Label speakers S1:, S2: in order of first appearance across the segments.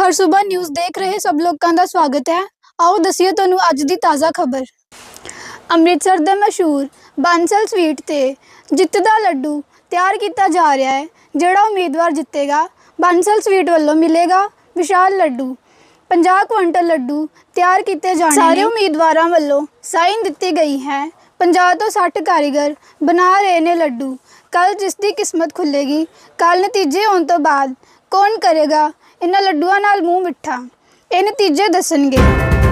S1: हर सुबह न्यूज़ देख रहे सब लोगों का स्वागत है। आओ दसीए तुहानू अज दी ताज़ा खबर। अमृतसर दे मशहूर बांसल स्वीट ते जित दा लड्डू तैयार किया जा रहा है। जिहड़ा उम्मीदवार जितेगा बांसल स्वीट वालों मिलेगा विशाल लड्डू। 50 क्विंटल लड्डू तैयार किए जाने सारे उम्मीदवारों वालों साइन दी गई है। 50 तो 60 कारीगर बना रहे ने लड्डू। कल जिसकी किस्मत खुलेगी, कल नतीजे आने तो बाद कौन करेगा इन्हां लड्डुआं नाल मूँह मिठा, ये नतीजे दसणगे।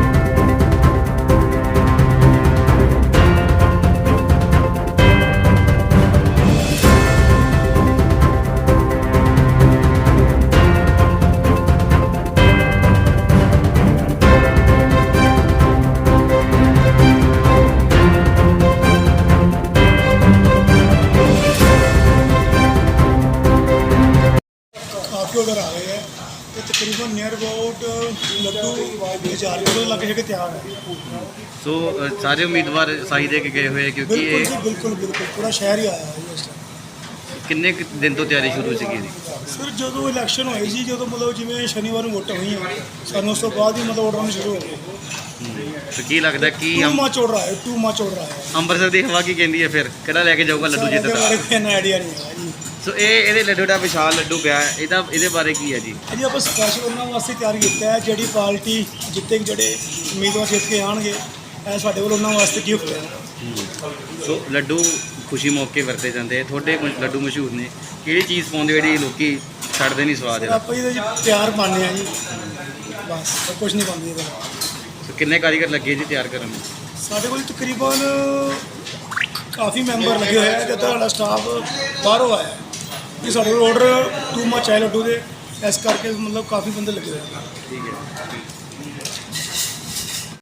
S2: काफ़ी ऑर्डर आ गए हैं तो तकरीबन नियर अबाउट लड्डू 1000 किलो लग के तैयार है।
S3: सो सारे उम्मीदवार साई दे के गए हुए हैं क्योंकि
S2: बिल्कुल
S3: ये
S2: जी, बिल्कुल बिल्कुल पूरा शहर ही आया है जी इस टाइम।
S3: किन्ने कुछ दिन तो तैयारी शुरू सी जी
S2: सर जो इलैक्शन होए जी, जो मतलब जिमें शनिवार ਨੂੰ ਵੋਟਾਂ ਹੋਈਆਂ ਸਾਨੂੰ ਉਸ ਤੋਂ ਬਾਅਦ ਹੀ मतलब ऑर्डर आने शुरू हो गए।
S3: तो की लगता कि
S2: टू मच ऑर्डर आया, टू मच ऑर्डर आया।
S3: ਅੰਮ੍ਰਿਤਸਰ ਦੀ ਹਵਾ ਕੀ ਕਹਿੰਦੀ ਹੈ ਫਿਰ ਕਿਹੜਾ ਲੈ ਕੇ ਜਾਊਗਾ ਲੱਡੂ
S2: ਇਹਦੇ
S3: ਜਿੱਤਦਾ।
S2: ਬਾਰੇ ਕੋਈ ਆਈਡੀਆ ਨਹੀਂ ਹੈ ਜੀ।
S3: ਸੋ ਇਹਦੇ ਲੱਡੂ ਦਾ ਵਿਸ਼ਾਲ ਲੱਡੂ ਪਿਆ ਹੈ, ਇਹਦੇ ਬਾਰੇ ਕੀ ਹੈ ਜੀ?
S2: ਜੀ ਆਪਾਂ ਸਪੈਸ਼ਲ ਉਹਨਾਂ ਵਾਸਤੇ ਤਿਆਰ ਕੀਤਾ ਹੈ, ਜਿਹੜੀ ਪਾਰਟੀ ਜਿੱਤੇ ਜਿਹੜੇ ਉਮੀਦਵਾਰ ਜਿੱਤ ਕੇ ਆਣਗੇ ਇਹ ਸਾਡੇ ਵੱਲ ਉਹਨਾਂ ਵਾਸਤੇ ਗਿਫਟ ਹੈ।
S3: ਸੋ ਲੱਡੂ ਖੁਸ਼ੀ ਮੌਕੇ ਵਰਤੇ ਜਾਂਦੇ, ਤੁਹਾਡੇ ਲੱਡੂ ਮਸ਼ਹੂਰ ਨੇ, ਕਿਹੜੀ ਚੀਜ਼ ਪਾਉਂਦੇ ਜਿਹੜੀ ਲੋਕੀ ਛੱਡਦੇ ਨਹੀਂ ਸਵਾਦ ਇਹਦਾ?
S2: ਆਪਾਂ ਇਹਦੇ ਚ ਪਿਆਰ ਪਾਉਂਦੇ ਆ ਜੀ, ਬਸ ਕੁਝ ਨਹੀਂ ਪਾਉਂਦੇ ਇਹਦੇ ਨਾਲ।
S3: ਸੋ ਕਿੰਨੇ ਕਾਰੀਗਰ ਲੱਗੇ ਜੀ ਤਿਆਰ ਕਰਨ ਨੂੰ?
S2: ਸਾਡੇ ਕੋਲ ਤਕਰੀਬਨ ਕਾਫੀ ਮੈਂਬਰ ਲੱਗੇ ਹੋਏ ਆ ਤੇ ਤੁਹਾਡਾ ਸਟਾਫ ਬਾਹਰੋਂ ਆਇਆ ਕਿ ਸਾਡੇ ਕੋਲ ਆਰਡਰ ਟੂ ਮਚ ਹੈ ਲੱਡੂ ਦੇ, ਇਸ ਕਰਕੇ ਮਤਲਬ ਕਾਫੀ ਬੰਦੇ ਲੱਗੇ ਹੋਏ ਆ।
S3: ਠੀਕ ਹੈ।